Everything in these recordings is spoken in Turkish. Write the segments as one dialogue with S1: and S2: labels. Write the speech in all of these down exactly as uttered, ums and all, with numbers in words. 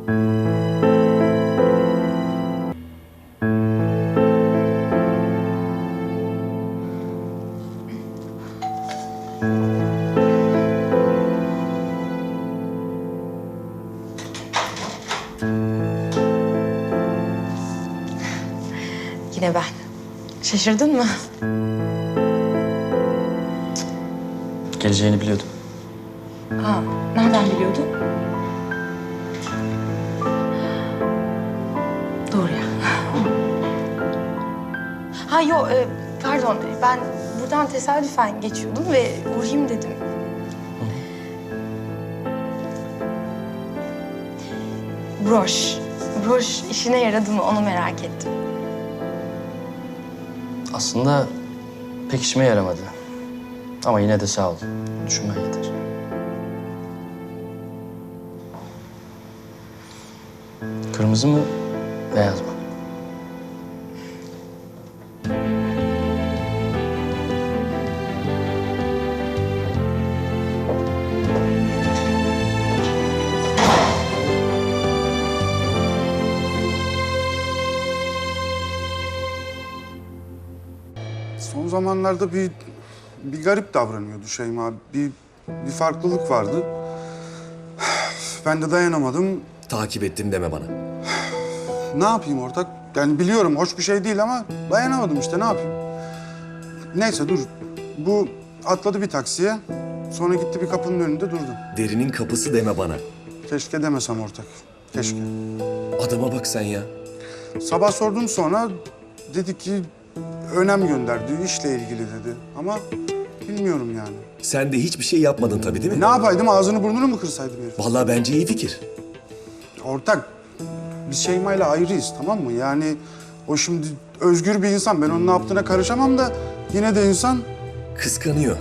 S1: Yine ben. Şaşırdın mı?
S2: Geleceğini biliyordum.
S1: Ha, nereden biliyordun? Doğru ya. Ha yok, e, pardon. Ben buradan tesadüfen geçiyordum ve uğrayayım dedim. Broş. Broş işine yaradı mı onu merak ettim.
S2: Aslında pek işime yaramadı. Ama yine de sağ ol. Düşünmen yeter. Kırmızı mı, beyaz mı?
S3: Son zamanlarda bir bir garip davranıyordu Şeyma. Bir bir farklılık vardı. Ben de dayanamadım.
S4: Takip ettim deme bana.
S3: Ne yapayım ortak? Yani biliyorum hoş bir şey değil ama dayanamadım işte ne yapayım? Neyse dur. Bu atladı bir taksiye. Sonra gitti bir kapının önünde durdu.
S4: Derinin kapısı deme bana.
S3: Keşke demesem ortak. Keşke.
S4: Adama bak sen ya.
S3: Sabah sordum sonra dedi ki önem gönderdi, işle ilgili dedi. Ama bilmiyorum yani.
S4: Sen de hiçbir şey yapmadın tabii değil mi?
S3: Ne yapaydım, ağzını burnunu mu kırsaydım herif?
S4: Vallahi bence iyi fikir.
S3: Ortak, biz Şeyma'yla ayrıyız tamam mı? Yani o şimdi özgür bir insan. Ben onun ne yaptığına karışamam da yine de insan.
S4: Kıskanıyor.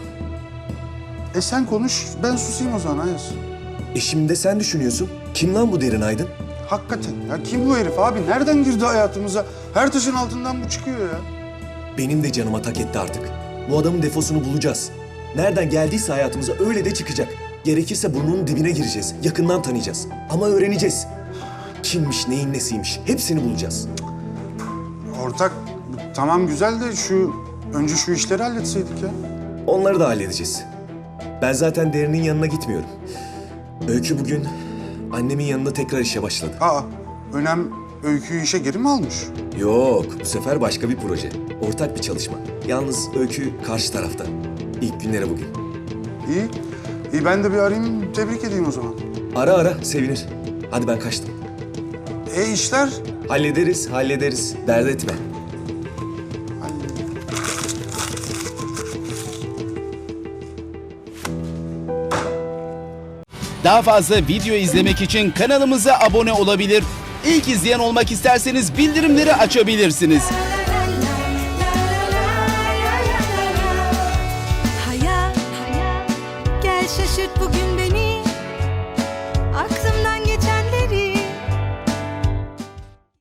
S3: E sen konuş, ben susayım o zaman Ayaz.
S4: E şimdi de sen düşünüyorsun. Kim lan bu Derin Aydın?
S3: Hakikaten ya kim bu herif abi? Nereden girdi hayatımıza? Her taşın altından bu çıkıyor ya.
S4: Benim de canıma tak etti artık. Bu adamın defosunu bulacağız. Nereden geldiyse hayatımıza öyle de çıkacak. Gerekirse burnunun dibine gireceğiz. Yakından tanıyacağız. Ama öğreneceğiz. Kimmiş, neyin nesiymiş. Hepsini bulacağız.
S3: Ortak, tamam güzel de şu... Önce şu işleri halletseydik ya.
S4: Onları da halledeceğiz. Ben zaten Derin'in yanına gitmiyorum. Öykü bugün annemin yanında tekrar işe başladı.
S3: Aa, Önem Öykü'yü işe geri mi almış?
S4: Yok, bu sefer başka bir proje. Ortak bir çalışma. Yalnız Öykü karşı tarafta. İlk günleri bugün.
S3: İyi. İyi ben de bir arayayım, tebrik edeyim o zaman.
S4: Ara ara, sevinir. Hadi ben kaçtım.
S3: E işler?
S4: Hallederiz, hallederiz. Dert etme.
S5: Daha fazla video izlemek için kanalımıza abone olabilir. İlk izleyen olmak isterseniz bildirimleri açabilirsiniz.
S6: Hayat, hayat, gel şaşırt bugün